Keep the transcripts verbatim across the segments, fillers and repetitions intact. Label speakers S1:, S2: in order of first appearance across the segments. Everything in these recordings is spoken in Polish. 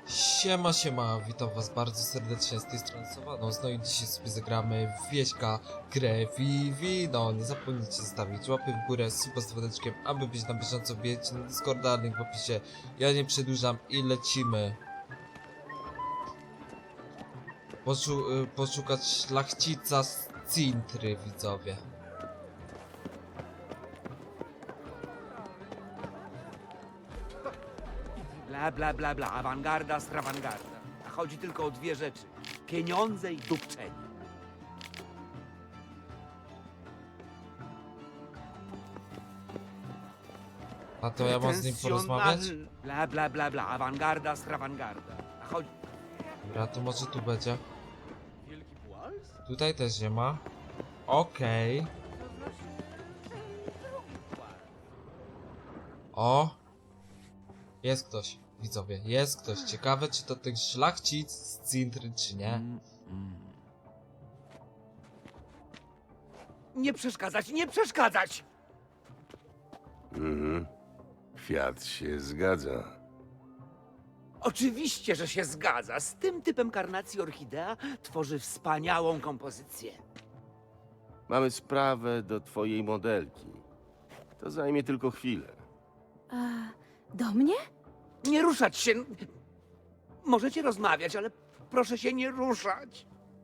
S1: Siema, siema, witam was bardzo serdecznie z tej strony Sowanos. No i dzisiaj sobie zagramy w Wieśka Krew i Wino. Nie zapomnijcie zostawić łapy w górę, suba z dzwoneczkiem, aby być na bieżąco. Wbijajcie na Discorda, link w opisie. Ja nie przedłużam i lecimy. Poszu y, poszukać szlachcica z Cintry, widzowie.
S2: Bla, bla, bla, bla, awangarda, strawangarda. A chodzi tylko o dwie rzeczy. Pieniądze i dupczenie.
S1: A to ja mam z nim porozmawiać?
S2: Pretensjonal- Bla, bla, bla, bla, awangarda, strawangarda. A chodzi...
S1: Dobra, to może tu będzie.
S2: Wielki płaz?
S1: Tutaj też nie ma. Okej. O! Jest ktoś, widzowie, jest ktoś. Ciekawe, czy to ten szlachcic z Cintry, czy nie.
S2: Mm, mm. Nie przeszkadzać, nie przeszkadzać!
S3: Mhm. Kwiat się zgadza.
S2: Oczywiście, że się zgadza. Z tym typem karnacji orchidea tworzy wspaniałą kompozycję.
S3: Mamy sprawę do twojej modelki. To zajmie tylko chwilę.
S4: A do mnie?
S2: Nie ruszać się. Możecie rozmawiać, ale proszę się nie ruszać.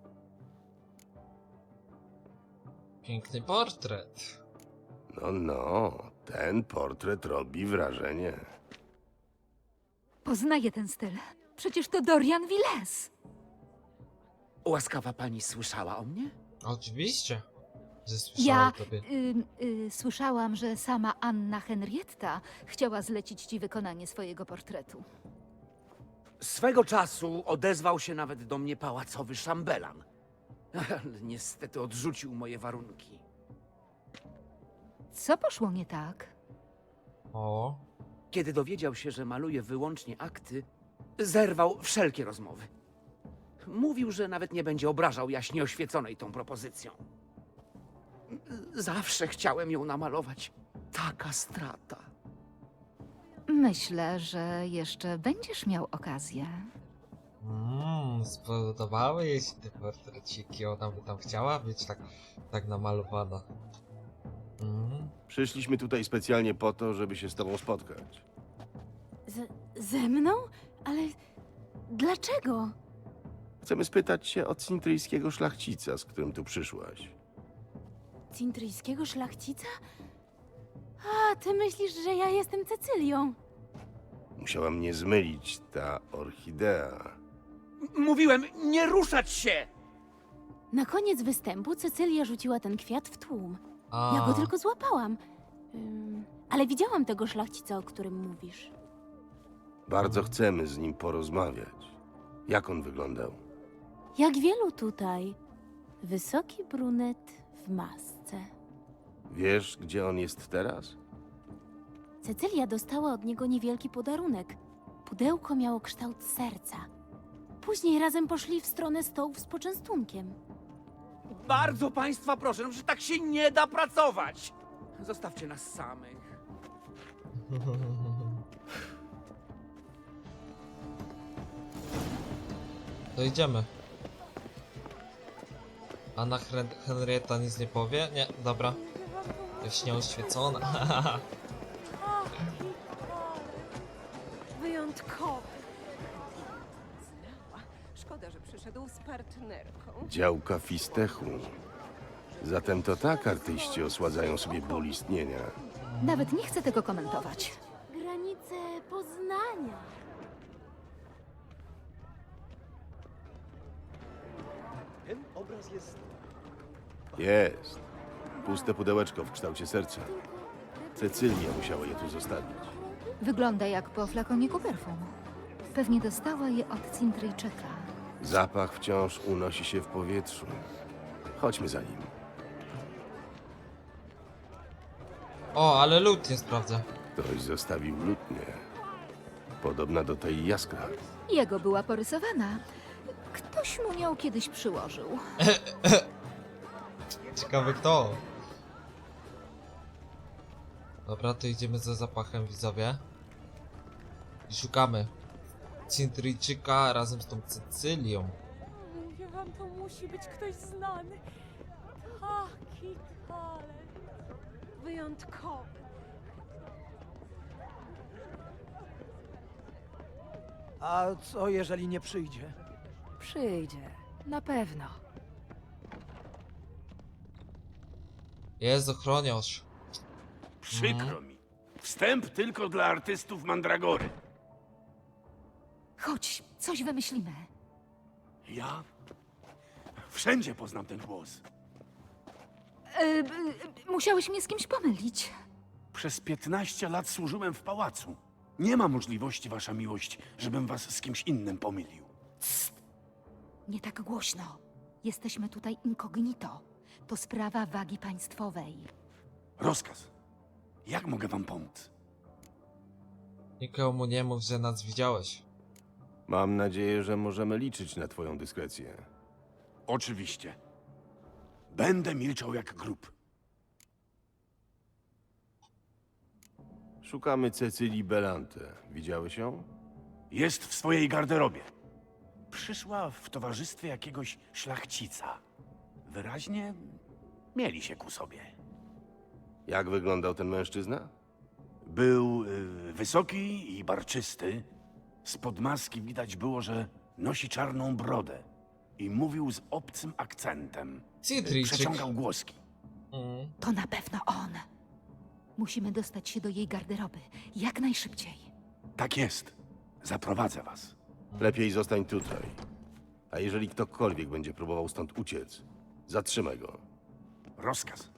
S1: Piękny portret.
S3: No, no, ten portret robi wrażenie.
S4: Poznaję ten styl. Przecież to Dorian Villes.
S2: Łaskawa pani słyszała o mnie?
S1: Oczywiście, że słyszałem
S4: Ja
S1: o tobie.
S4: y, y, słyszałam, że sama Anna Henrietta chciała zlecić ci wykonanie swojego portretu.
S2: Swego czasu odezwał się nawet do mnie pałacowy szambelan. Ale niestety odrzucił moje warunki.
S4: Co poszło nie tak?
S1: O,
S2: Kiedy dowiedział się, że maluję wyłącznie akty, zerwał wszelkie rozmowy. Mówił, że nawet nie będzie obrażał jaśnie oświeconej tą propozycją. Zawsze chciałem ją namalować. Taka strata.
S4: Myślę, że jeszcze będziesz miał okazję.
S1: mm, spodobały jej się te portreciki. Ona by tam chciała być tak, tak namalowana. Mm.
S3: Przyszliśmy tutaj specjalnie po to, żeby się z tobą spotkać.
S4: Z, ze mną? Ale dlaczego?
S3: Chcemy spytać się o cintryjskiego szlachcica, z którym tu przyszłaś.
S4: Cintryjskiego szlachcica? A, ty myślisz, że ja jestem Cecylią?
S3: Musiała mnie zmylić ta orchidea.
S2: M- Mówiłem, nie ruszać się!
S5: Na koniec występu Cecylia rzuciła ten kwiat w tłum.
S1: A,
S5: Ja go tylko złapałam. Ym, ale widziałam tego szlachcica, o którym mówisz.
S3: Bardzo chcemy z nim porozmawiać. Jak on wyglądał?
S5: Jak wielu tutaj. Wysoki brunet w masce.
S3: Wiesz, gdzie on jest teraz?
S5: Cecylia dostała od niego niewielki podarunek. Pudełko miało kształt serca. Później razem poszli w stronę stołów z poczęstunkiem.
S2: Bardzo państwa proszę, że tak się nie da pracować! Zostawcie nas samych.
S1: to idziemy. Anna Hen Henrietta nic nie powie? Nie, dobra. Jaśnie oświecona.
S6: Wyjątkowy. Znała. Szkoda, że przyszedł z partnerką.
S3: Działka Fistechu. Zatem to tak artyści osładzają sobie ból istnienia.
S4: Nawet nie chcę tego komentować.
S5: Granice Poznania.
S3: Jest. Puste pudełeczko w kształcie serca. Cecylia musiała je tu zostawić.
S4: Wygląda jak po flakoniku perfum. Pewnie dostała je od Cintryjczyka.
S3: Zapach wciąż unosi się w powietrzu. Chodźmy za nim.
S1: O, ale lód nie sprawdzę.
S3: Ktoś zostawił lutnię. Podobna do tej jaskra.
S4: Jego była porysowana. Ktoś mu ją kiedyś przyłożył.
S1: Ciekawe kto. Dobra, to idziemy za zapachem, widzowie. I szukamy. Cintryjczyka razem z tą Cecylią.
S7: Mówię wam, to musi być ktoś znany. Taki talent.
S6: Wyjątkowy.
S8: A co jeżeli nie przyjdzie?
S9: Przyjdzie. Na pewno.
S1: Jest ochroniarz.
S3: Przykro mi. Wstęp tylko dla artystów Mandragory.
S4: Chodź, coś wymyślimy.
S3: Ja? Wszędzie poznam ten głos.
S4: E, e, musiałeś mnie z kimś pomylić.
S3: Przez piętnaście lat służyłem w pałacu. Nie ma możliwości, wasza miłość, żebym was z kimś innym pomylił.
S4: Nie tak głośno. Jesteśmy tutaj incognito. To sprawa wagi państwowej.
S3: Rozkaz. Jak mogę wam pomóc?
S1: Nikomu nie mów, że nas widziałeś.
S3: Mam nadzieję, że możemy liczyć na twoją dyskrecję. Oczywiście. Będę milczał jak grób. Szukamy Cecylii Belante. Widziałeś ją? Jest w swojej garderobie. Przyszła w towarzystwie jakiegoś szlachcica. Wyraźnie mieli się ku sobie. Jak wyglądał ten mężczyzna? Był y, wysoki i barczysty. Spod maski widać było, że nosi czarną brodę i mówił z obcym akcentem.
S1: Cintryjczyk.
S3: Przeciągał głoski.
S1: Mm.
S4: To na pewno on. Musimy dostać się do jej garderoby. Jak najszybciej.
S3: Tak jest. Zaprowadzę was. Lepiej zostań tutaj. A jeżeli ktokolwiek będzie próbował stąd uciec, zatrzymaj go. Rozkaz.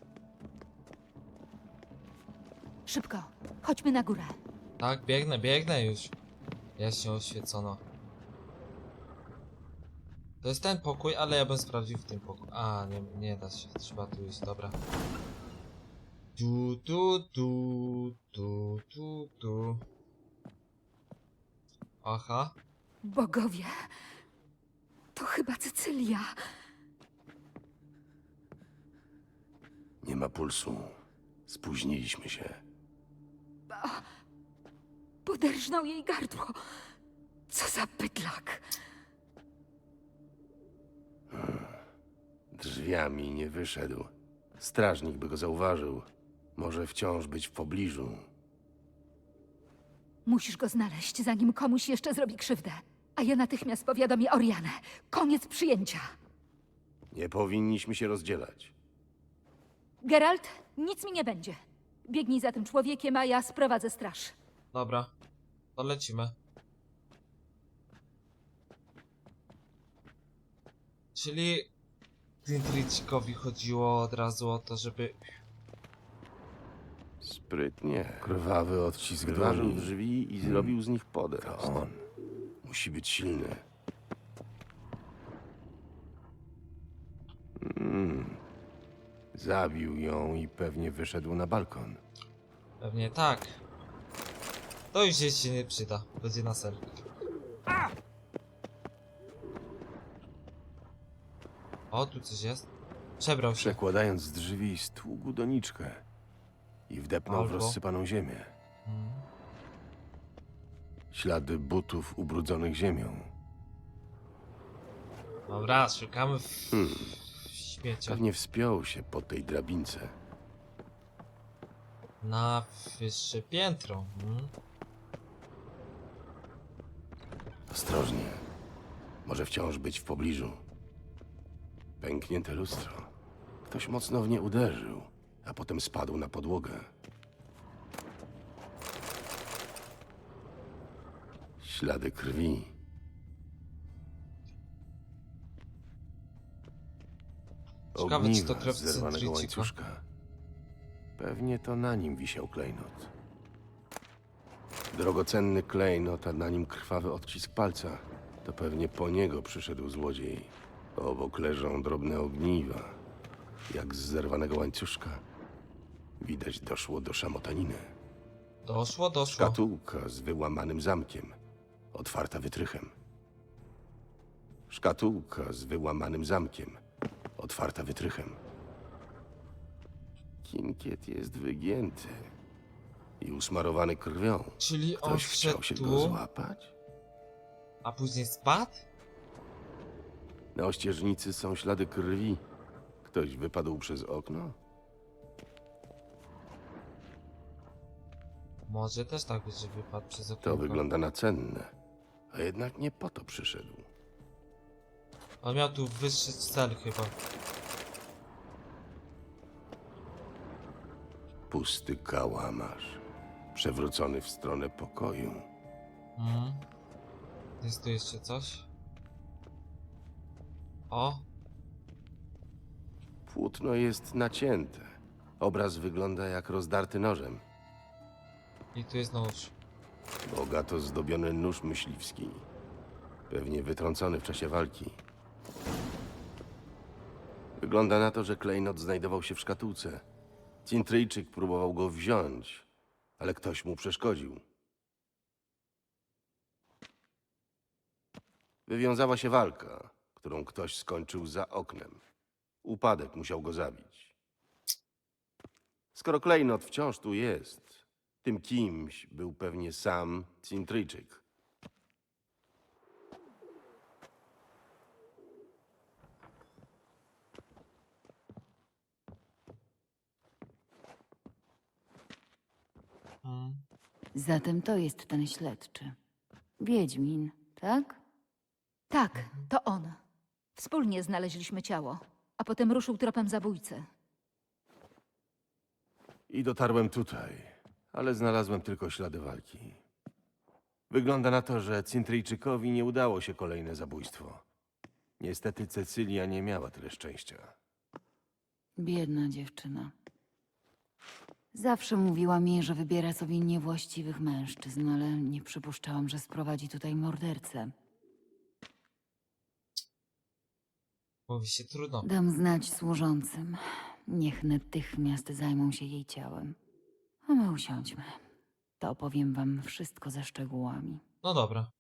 S4: Szybko, chodźmy na górę.
S1: Tak, biegnę, biegnę już. Jaśnie oświecono. To jest ten pokój, ale ja bym sprawdził w tym pokoju. A, nie, nie da się, trzeba tu iść, dobra. Tu, tu, tu, tu, tu, tu. Aha.
S4: Bogowie, to chyba Cecylia.
S3: Nie ma pulsu. Spóźniliśmy się.
S4: Poderżnął jej gardło. Co za bydlak.
S3: Drzwiami nie wyszedł. Strażnik by go zauważył. Może wciąż być w pobliżu.
S4: Musisz go znaleźć, zanim komuś jeszcze zrobi krzywdę. A ja natychmiast powiadomię Orianę. Koniec przyjęcia.
S3: Nie powinniśmy się rozdzielać.
S4: Geralt, nic mi nie będzie. Biegnij za tym człowiekiem, a ja sprowadzę straż.
S1: Dobra, to lecimy. Czyli Cintryjczykowi chodziło od razu o to, żeby...
S3: Sprytnie. Krwawy odcisk dłoni. drzwi i zrobił z nich podest. To on. Musi być silny. Mm. Zabił ją i pewnie wyszedł na balkon.
S1: Pewnie tak. To już jej się nie przyda. Będzie na ser. O, tu coś jest. Przebrał się.
S3: Przekładając z drzwi, stługł doniczkę i wdepnął w
S1: Albo-
S3: rozsypaną ziemię.
S1: Mm.
S3: Ślady butów ubrudzonych ziemią.
S1: Dobra, szukamy w,
S3: Hmm.
S1: w śmieciach.
S3: Pewnie wspiął się po tej drabince.
S1: Na wyższe piętro. Mm.
S3: Ostrożnie. Może wciąż być w pobliżu. Pęknięte lustro. Ktoś mocno w nie uderzył, a potem spadł na podłogę. Ślady krwi.
S1: Ciekawe, czy to
S3: Ogniwa
S1: krew
S3: z zerwanego
S1: Cintryjczyka.
S3: łańcuszka. Pewnie to na nim wisiał klejnot. Drogocenny klejnot, a na nim krwawy odcisk palca. To pewnie po niego przyszedł złodziej. Obok leżą drobne ogniwa, jak z zerwanego łańcuszka. Widać, doszło do szamotaniny.
S1: Doszło, doszło.
S3: Szkatułka z wyłamanym zamkiem, otwarta wytrychem. Szkatułka z wyłamanym zamkiem, otwarta wytrychem. Kinkiet jest wygięty i usmarowany krwią.
S1: Czyli on
S3: Ktoś chciał się
S1: wszedł
S3: go
S1: tu.
S3: złapać?
S1: A później spadł?
S3: Na ościeżnicy są ślady krwi. Ktoś wypadł przez okno?
S1: Może też tak być, że wypadł przez okno.
S3: To wygląda na cenne. A jednak nie po to przyszedł.
S1: On miał tu wyższy cel chyba.
S3: Pusty kałamarz. Przewrócony w stronę pokoju.
S1: Mhm. Jest tu jeszcze coś? O!
S3: Płótno jest nacięte. Obraz wygląda jak rozdarty nożem.
S1: I tu jest nóż.
S3: Bogato zdobiony nóż myśliwski. Pewnie wytrącony w czasie walki. Wygląda na to, że klejnot znajdował się w szkatułce. Cintryjczyk próbował go wziąć, ale ktoś mu przeszkodził. Wywiązała się walka, którą ktoś skończył za oknem. Upadek musiał go zabić. Skoro klejnot wciąż tu jest, tym kimś był pewnie sam Cintryjczyk.
S1: Mhm.
S10: Zatem to jest ten śledczy. Wiedźmin, tak?
S4: Tak, to on. Wspólnie znaleźliśmy ciało, a potem ruszył tropem zabójcy.
S3: I dotarłem tutaj, ale znalazłem tylko ślady walki. Wygląda na to, że Cintryjczykowi nie udało się kolejne zabójstwo. Niestety Cecylia nie miała tyle szczęścia.
S10: Biedna dziewczyna. Zawsze mówiła mi, że wybiera sobie niewłaściwych mężczyzn, ale nie przypuszczałam, że sprowadzi tutaj mordercę.
S1: Mówi się trudno.
S10: Dam znać służącym. Niech natychmiast zajmą się jej ciałem. A my usiądźmy. To opowiem wam wszystko ze szczegółami.
S1: No dobra.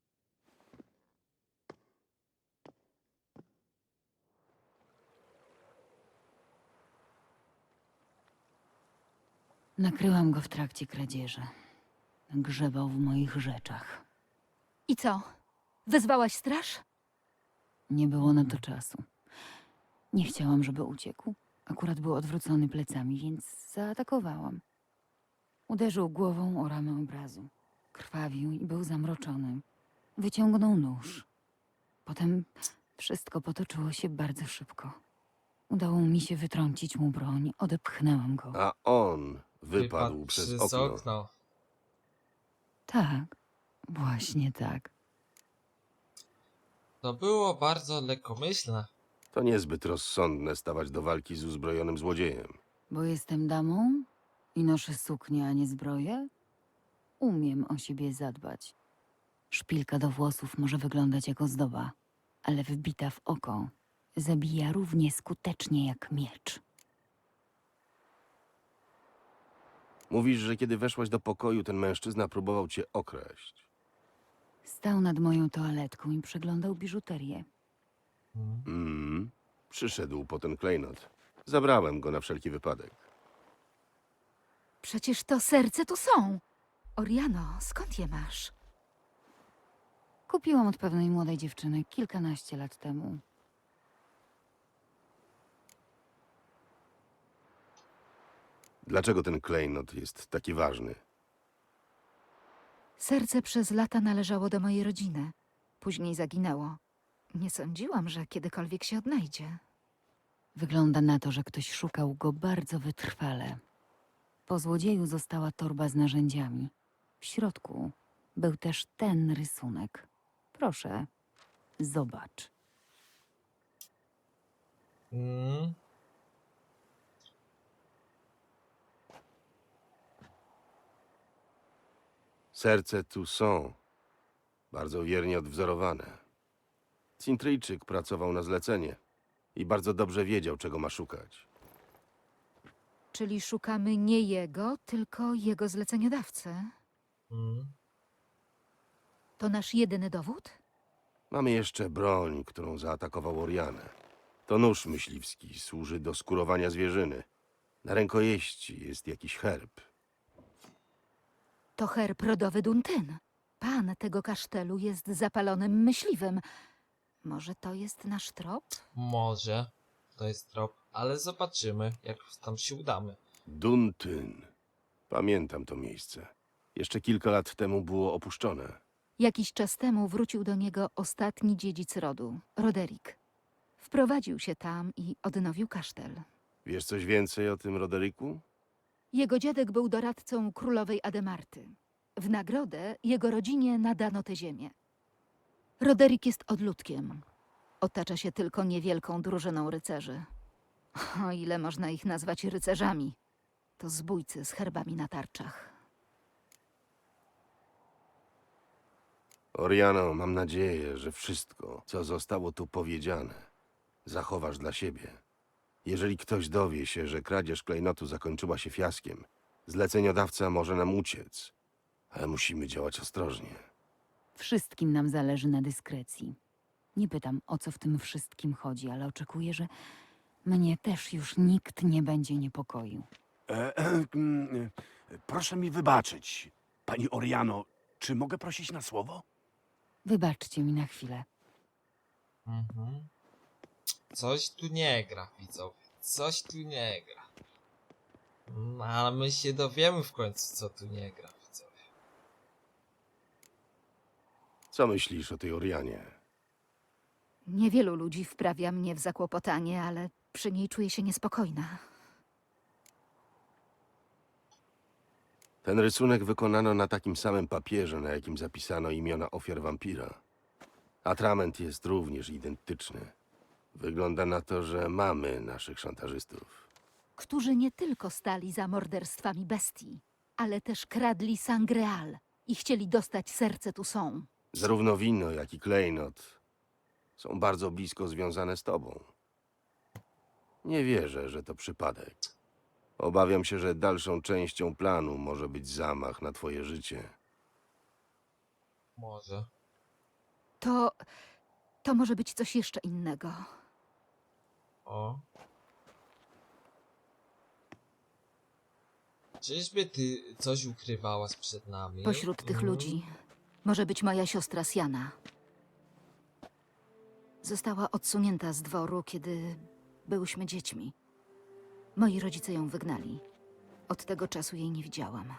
S10: Nakryłam go w trakcie kradzieży. Grzebał w moich rzeczach.
S4: I co? Wezwałaś straż?
S10: Nie było na to czasu. Nie chciałam, żeby uciekł. Akurat był odwrócony plecami, więc zaatakowałam. Uderzył głową o ramę obrazu. Krwawił i był zamroczony. Wyciągnął nóż. Potem wszystko potoczyło się bardzo szybko. Udało mi się wytrącić mu broń, odepchnęłam go.
S3: A on wypadł, przez,
S1: przez
S3: okno.
S1: okno.
S10: Tak, właśnie tak.
S1: To było bardzo lekkomyślne.
S3: To niezbyt rozsądne stawać do walki z uzbrojonym złodziejem.
S10: Bo jestem damą i noszę suknię, a nie zbroję? Umiem o siebie zadbać. Szpilka do włosów może wyglądać jak ozdoba, ale wbita w oko zabija równie skutecznie jak miecz.
S3: Mówisz, że kiedy weszłaś do pokoju, ten mężczyzna próbował cię okraść.
S10: Stał nad moją toaletką i przeglądał biżuterię.
S1: Mhm.
S3: Mm, przyszedł po ten klejnot. Zabrałem go na wszelki wypadek.
S4: Przecież to serce tu są. Oriano, skąd je masz?
S10: Kupiłam od pewnej młodej dziewczyny kilkanaście lat temu.
S3: Dlaczego ten klejnot jest taki ważny?
S4: Serce przez lata należało do mojej rodziny. Później zaginęło. Nie sądziłam, że kiedykolwiek się odnajdzie.
S10: Wygląda na to, że ktoś szukał go bardzo wytrwale. Po złodzieju została torba z narzędziami. W środku był też ten rysunek. Proszę, zobacz.
S1: Mm.
S3: Serce tu są. Bardzo wiernie odwzorowane. Cintryjczyk pracował na zlecenie i bardzo dobrze wiedział, czego ma szukać.
S4: Czyli szukamy nie jego, tylko jego zleceniodawcy.
S1: Mm.
S4: To nasz jedyny dowód?
S3: Mamy jeszcze broń, którą zaatakował Orianę. To nóż myśliwski, służy do skurowania zwierzyny. Na rękojeści jest jakiś herb.
S4: To herb rodowy Duntyn. pan tego kasztelu jest zapalonym myśliwym. Może to jest nasz trop?
S1: Może to jest trop, ale zobaczymy, jak tam się udamy.
S3: Duntyn. Pamiętam to miejsce. Jeszcze kilka lat temu było opuszczone.
S4: Jakiś czas temu wrócił do niego ostatni dziedzic rodu, Roderick. Wprowadził się tam i odnowił kasztel.
S3: Wiesz coś więcej o tym Roderiku?
S4: Jego dziadek był doradcą królowej Ademarty. W nagrodę jego rodzinie nadano tę ziemię. Roderick jest odludkiem. Otacza się tylko niewielką drużyną rycerzy. O ile można ich nazwać rycerzami. To zbójcy z herbami na tarczach.
S3: Oriano, mam nadzieję, że wszystko, co zostało tu powiedziane, zachowasz dla siebie. Jeżeli ktoś dowie się, że kradzież klejnotu zakończyła się fiaskiem, zleceniodawca może nam uciec, ale musimy działać ostrożnie.
S10: Wszystkim nam zależy na dyskrecji. Nie pytam, o co w tym wszystkim chodzi, ale oczekuję, że mnie też już nikt nie będzie niepokoił.
S3: E, e, mm, e, proszę mi wybaczyć, pani Oriano, czy mogę prosić na słowo?
S10: Wybaczcie mi na chwilę.
S1: Mhm. Coś tu nie gra, widzowie. Coś tu nie gra. No, ale my się dowiemy w końcu, co tu nie gra, widzowie.
S3: Co myślisz o tej Orianie?
S4: Niewielu ludzi wprawia mnie w zakłopotanie, ale przy niej czuję się niespokojna.
S3: Ten rysunek wykonano na takim samym papierze, na jakim zapisano imiona ofiar wampira. Atrament jest również identyczny. Wygląda na to, że mamy naszych szantażystów.
S4: Którzy nie tylko stali za morderstwami bestii, ale też kradli Sangreal i chcieli dostać serce Toussaint.
S3: Zarówno wino, jak i klejnot są bardzo blisko związane z tobą. Nie wierzę, że to przypadek. Obawiam się, że dalszą częścią planu może być zamach na twoje życie.
S1: Może.
S4: To... to może być coś jeszcze innego.
S1: O. Czyżby ty coś ukrywałaś przed nami?
S4: Pośród tych
S1: Mhm.
S4: ludzi może być moja siostra Siana. Została odsunięta z dworu, kiedy byłyśmy dziećmi. Moi rodzice ją wygnali. Od tego czasu jej nie widziałam.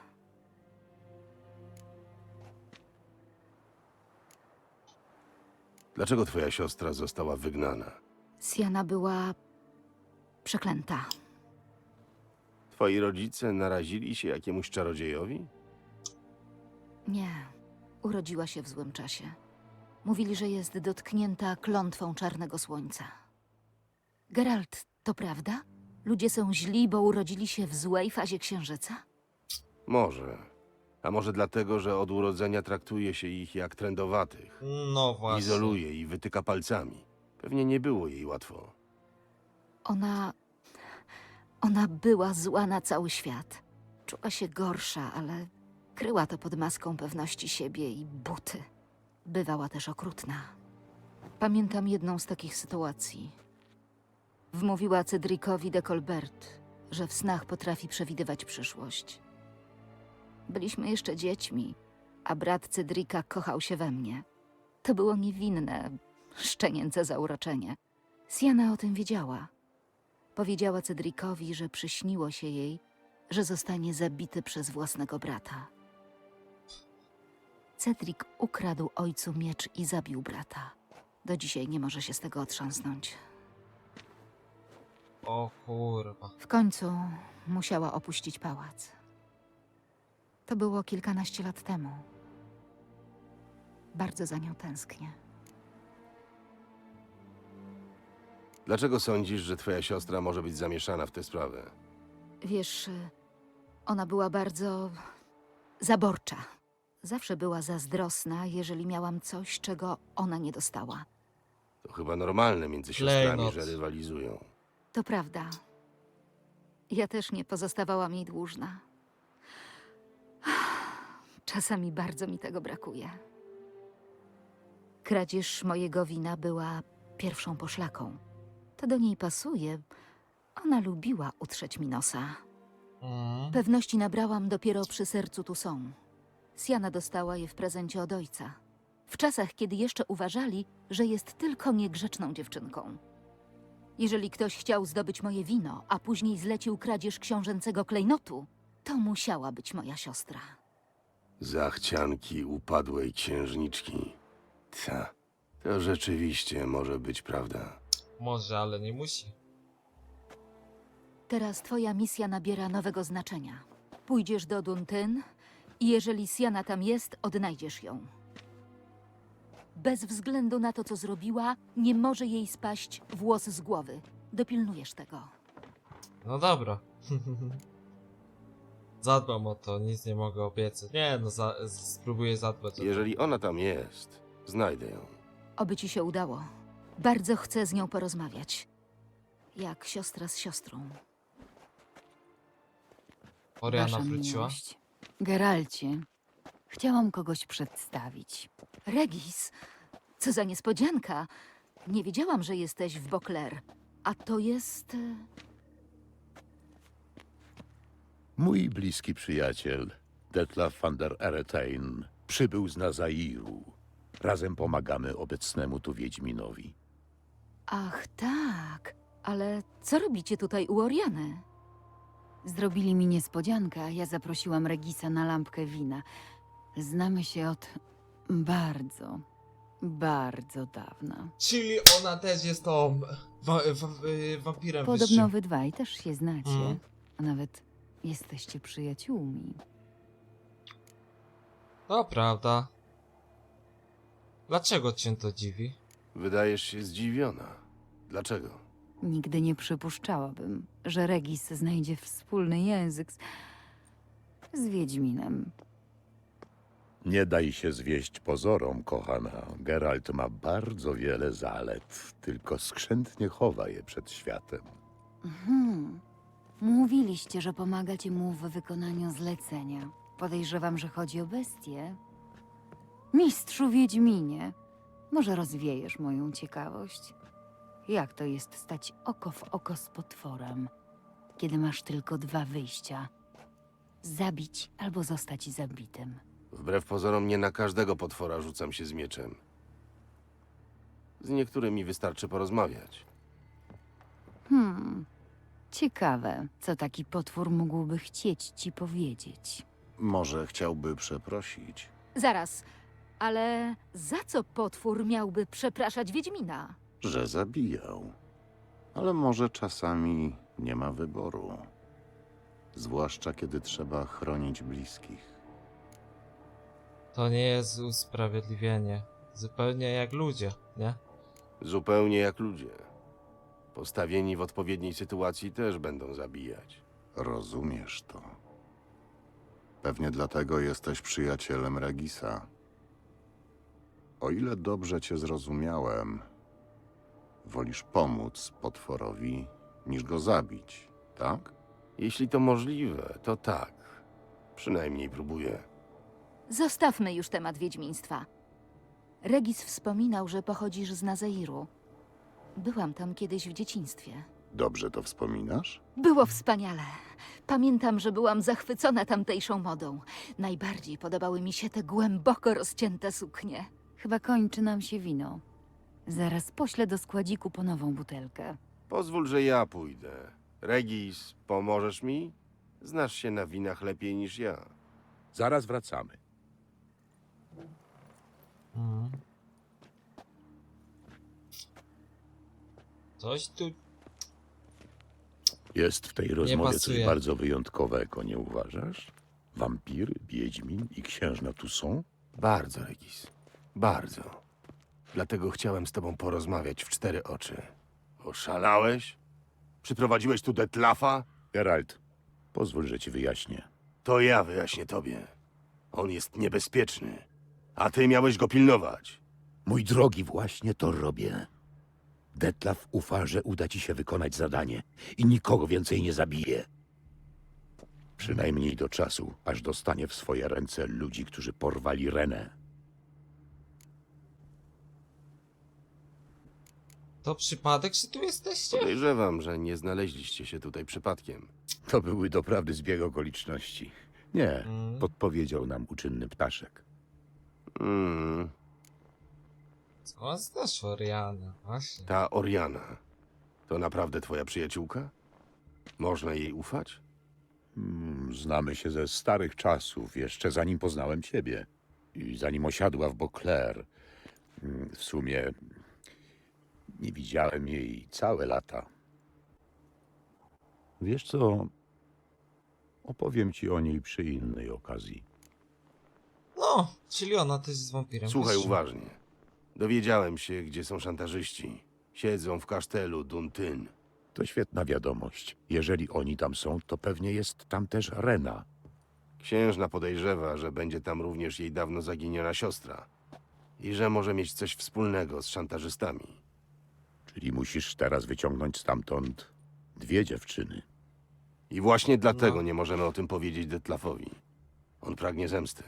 S3: Dlaczego twoja siostra została wygnana?
S4: Siana była przeklęta.
S3: Twoi rodzice narazili się jakiemuś czarodziejowi?
S4: Nie, urodziła się w złym czasie. Mówili, że jest dotknięta klątwą czarnego słońca. Geralt, to prawda? Ludzie są źli, bo urodzili się w złej fazie księżyca?
S3: Może. A może dlatego, że od urodzenia traktuje się ich jak trędowatych.
S1: No właśnie.
S3: Izoluje i wytyka palcami. Pewnie nie było jej łatwo.
S4: Ona... Ona była zła na cały świat. Czuła się gorsza, ale kryła to pod maską pewności siebie i buty. Bywała też okrutna. Pamiętam jedną z takich sytuacji. Wmówiła Cedricowi de Colbert, że w snach potrafi przewidywać przyszłość. Byliśmy jeszcze dziećmi, a brat Cedrica kochał się we mnie. To było niewinne, szczenięce zauroczenie. Siana o tym wiedziała. Powiedziała Cedricowi, że przyśniło się jej, że zostanie zabity przez własnego brata. Cedric ukradł ojcu miecz i zabił brata. Do dzisiaj nie może się z tego otrząsnąć.
S1: O kurwa.
S4: W końcu musiała opuścić pałac. To było kilkanaście lat temu. Bardzo za nią tęsknię.
S3: Dlaczego sądzisz, że twoja siostra może być zamieszana w tę sprawę?
S4: Wiesz, ona była bardzo zaborcza. Zawsze była zazdrosna, jeżeli miałam coś, czego ona nie dostała.
S3: To chyba normalne między siostrami,
S1: Klejnot.
S3: że rywalizują.
S4: To prawda. Ja też nie pozostawałam jej dłużna. Czasami bardzo mi tego brakuje. Kradzież mojego wina była pierwszą poszlaką. To do niej pasuje. Ona lubiła utrzeć mi nosa.
S1: Mm.
S4: Pewności nabrałam dopiero przy sercu Toussaint. Siana dostała je w prezencie od ojca. W czasach, kiedy jeszcze uważali, że jest tylko niegrzeczną dziewczynką. Jeżeli ktoś chciał zdobyć moje wino, a później zlecił kradzież książęcego klejnotu, to musiała być moja siostra.
S3: Zachcianki upadłej księżniczki. Ta, to rzeczywiście może być prawda.
S1: Może, ale nie musi.
S4: Teraz twoja misja nabiera nowego znaczenia. Pójdziesz do Duntyn i jeżeli Siana tam jest, odnajdziesz ją. Bez względu na to, co zrobiła, nie może jej spaść włos z głowy. Dopilnujesz tego.
S1: No dobra. Zadbam o to, nic nie mogę obiecać. Nie, no za, spróbuję zadbać o to.
S3: Jeżeli ona tam jest, znajdę ją.
S4: Oby ci się udało. Bardzo chcę z nią porozmawiać. Jak siostra z siostrą.
S1: Oriana
S10: Wasza
S1: wróciła.
S10: miłość. Geralcie, chciałam kogoś przedstawić.
S4: Regis, co za niespodzianka. Nie wiedziałam, że jesteś w Beauclair. A to jest... e,
S11: Mój bliski przyjaciel, Detlaf van der Eretain, przybył z Nazairu. Razem pomagamy obecnemu tu Wiedźminowi.
S4: Ach, tak. Ale co robicie tutaj u Oriany?
S10: Zrobili mi niespodziankę, a ja zaprosiłam Regisa na lampkę wina. Znamy się od bardzo, bardzo dawna.
S1: Czyli ona też jest tą wa wa y, wampirem
S10: Podobno
S1: wyższym.
S10: wy dwaj też się znacie,
S1: Mhm.
S10: a nawet jesteście przyjaciółmi.
S1: To prawda. Dlaczego cię to dziwi?
S3: Wydajesz się zdziwiona. Dlaczego?
S10: Nigdy nie przypuszczałabym, że Regis znajdzie wspólny język z, z Wiedźminem.
S11: Nie daj się zwieść pozorom, kochana. Geralt ma bardzo wiele zalet, tylko skrzętnie chowa je przed światem.
S10: Hmm. Mówiliście, że pomagacie mu w wykonaniu zlecenia. Podejrzewam, że chodzi o bestię. Mistrzu Wiedźminie, może rozwiejesz moją ciekawość? Jak to jest stać oko w oko z potworem, kiedy masz tylko dwa wyjścia? Zabić albo zostać zabitym.
S3: Wbrew pozorom nie na każdego potwora rzucam się z mieczem. Z niektórymi wystarczy porozmawiać.
S10: Hmm. Ciekawe, co taki potwór mógłby chcieć ci powiedzieć.
S11: Może chciałby przeprosić.
S4: Zaraz, ale za co potwór miałby przepraszać Wiedźmina?
S11: Że zabijał. Ale może czasami nie ma wyboru. Zwłaszcza kiedy trzeba chronić bliskich.
S1: To nie jest usprawiedliwienie. Zupełnie jak ludzie, nie?
S3: Zupełnie jak ludzie. Postawieni w odpowiedniej sytuacji też będą zabijać.
S11: Rozumiesz to. Pewnie dlatego jesteś przyjacielem Regisa. O ile dobrze cię zrozumiałem, wolisz pomóc potworowi niż go zabić, tak?
S3: Jeśli to możliwe, to tak. Przynajmniej próbuję.
S4: Zostawmy już temat wiedźmiństwa. Regis wspominał, że pochodzisz z Nazairu. Byłam tam kiedyś w dzieciństwie.
S11: Dobrze to wspominasz?
S4: Było wspaniale. Pamiętam, że byłam zachwycona tamtejszą modą. Najbardziej podobały mi się te głęboko rozcięte suknie.
S10: Chyba kończy nam się wino. Zaraz poślę do składziku po nową butelkę.
S3: Pozwól, że ja pójdę. Regis, pomożesz mi? Znasz się na winach lepiej niż ja.
S11: Zaraz wracamy.
S1: Mhm. Coś tu...
S11: Jest w tej rozmowie coś
S1: pasuje.
S11: bardzo wyjątkowego, nie uważasz? Wampir, wiedźmin i księżna tu są?
S3: Bardzo, Regis. Bardzo. Dlatego chciałem z tobą porozmawiać w cztery oczy. Oszalałeś? Przyprowadziłeś tu Detlafa?
S11: Geralt, pozwól, że ci wyjaśnię.
S3: To ja wyjaśnię tobie. On jest niebezpieczny, a ty miałeś go pilnować.
S11: Mój drogi, właśnie to robię. Detlaf ufa, że uda ci się wykonać zadanie i nikogo więcej nie zabije. Przynajmniej do czasu, aż dostanie w swoje ręce ludzi, którzy porwali Renę.
S1: To przypadek, że tu jesteście?
S3: Podejrzewam, że nie znaleźliście się tutaj przypadkiem.
S11: To były doprawdy zbieg okoliczności. Nie,
S1: Mm.
S11: podpowiedział nam uczynny ptaszek.
S3: Mm,
S1: Co znasz Oriana? Właśnie.
S3: ta Oriana to naprawdę twoja przyjaciółka? Można jej ufać?
S11: Hmm, znamy się ze starych czasów, jeszcze zanim poznałem ciebie. I zanim osiadła w Beauclair. Hmm, W sumie nie widziałem jej całe lata. Wiesz co? Opowiem ci o niej przy innej okazji.
S1: No, czyli ona też jest wampirem.
S3: Słuchaj
S1: Wiesz?
S3: uważnie. Dowiedziałem się, gdzie są szantażyści. Siedzą w kasztelu Duntyn.
S11: To świetna wiadomość. Jeżeli oni tam są, to pewnie jest tam też Rena.
S3: Księżna podejrzewa, że będzie tam również jej dawno zaginiona siostra. I że może mieć coś wspólnego z szantażystami.
S11: Czyli musisz teraz wyciągnąć stamtąd dwie dziewczyny.
S3: I właśnie dlatego
S1: No.
S3: nie możemy o tym powiedzieć Detlafowi. On pragnie zemsty.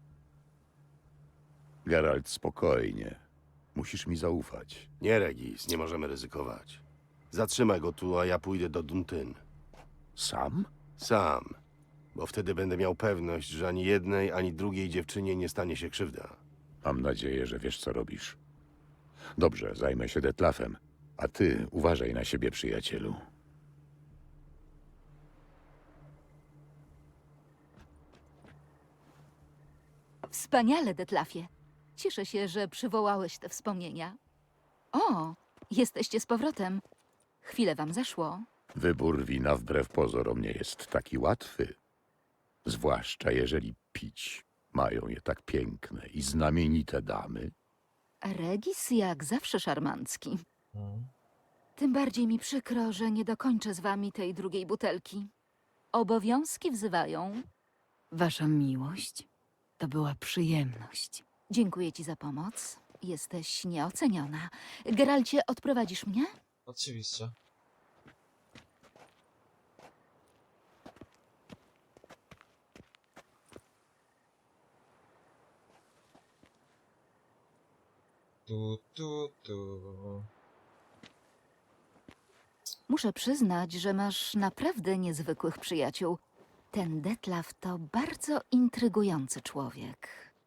S11: Geralt, spokojnie. Musisz mi zaufać.
S3: Nie, Regis, nie możemy ryzykować. Zatrzymaj go tu, a ja pójdę do Duntyn.
S11: Sam?
S3: Sam. Bo wtedy będę miał pewność, że ani jednej, ani drugiej dziewczynie nie stanie się krzywda.
S11: Mam nadzieję, że wiesz, co robisz. Dobrze, zajmę się Detlafem. A ty uważaj na siebie, przyjacielu.
S4: Wspaniale, Detlafie. Cieszę się, że przywołałeś te wspomnienia. O, jesteście z powrotem. Chwilę wam zeszło.
S11: Wybór wina wbrew pozorom nie jest taki łatwy. Zwłaszcza jeżeli pić mają je tak piękne i znamienite damy.
S4: Regis jak zawsze szarmancki.
S1: Mm.
S4: Tym bardziej mi przykro, że nie dokończę z wami tej drugiej butelki. Obowiązki wzywają.
S10: Wasza miłość to była przyjemność.
S4: Dziękuję ci za pomoc. Jesteś nieoceniona. Geralcie, odprowadzisz mnie?
S1: Oczywiście. Tu, tu, tu.
S4: Muszę przyznać, że masz naprawdę niezwykłych przyjaciół. Ten Detlaf to bardzo intrygujący człowiek.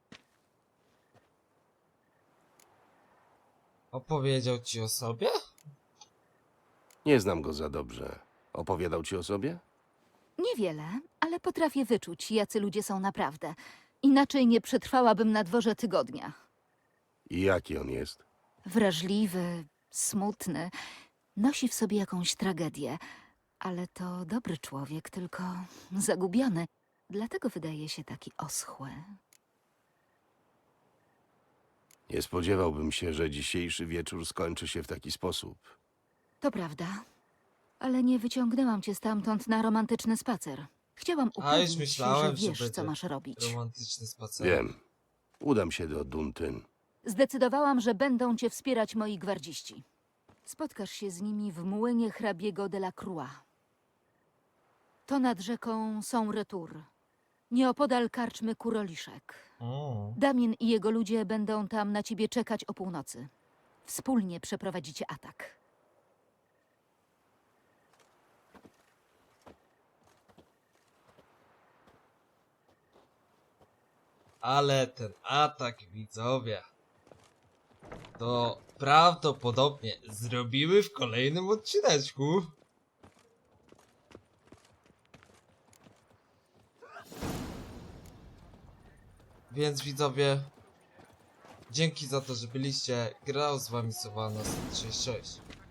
S1: Opowiedział ci o sobie?
S3: Nie znam go za dobrze. Opowiadał ci o sobie?
S4: Niewiele, ale potrafię wyczuć, jacy ludzie są naprawdę. Inaczej nie przetrwałabym na dworze tygodnia.
S3: I jaki on jest?
S4: Wrażliwy, smutny, nosi w sobie jakąś tragedię, ale to dobry człowiek, tylko zagubiony. Dlatego wydaje się taki oschły.
S3: Nie spodziewałbym się, że dzisiejszy wieczór skończy się w taki sposób.
S4: To prawda, ale nie wyciągnęłam cię stamtąd na romantyczny spacer. Chciałam
S1: A już
S4: upewnić się,
S1: myślałem,
S4: że
S1: że
S4: wiesz, co
S1: będzie
S4: masz robić.
S1: romantyczny spacer.
S3: Wiem. Udam się do Duntyn.
S4: Zdecydowałam, że będą cię wspierać moi gwardziści. Spotkasz się z nimi w młynie hrabiego de la Croix. To nad rzeką są Retour, nieopodal karczmy Kuroliszek.
S1: O,
S4: Damien i jego ludzie będą tam na ciebie czekać o północy. Wspólnie przeprowadzicie atak.
S1: ale ten atak, widzowie, to prawdopodobnie zrobimy w kolejnym odcineczku. Więc widzowie, dzięki za to, że byliście. Grał z wami Sylvanas sześć sześć.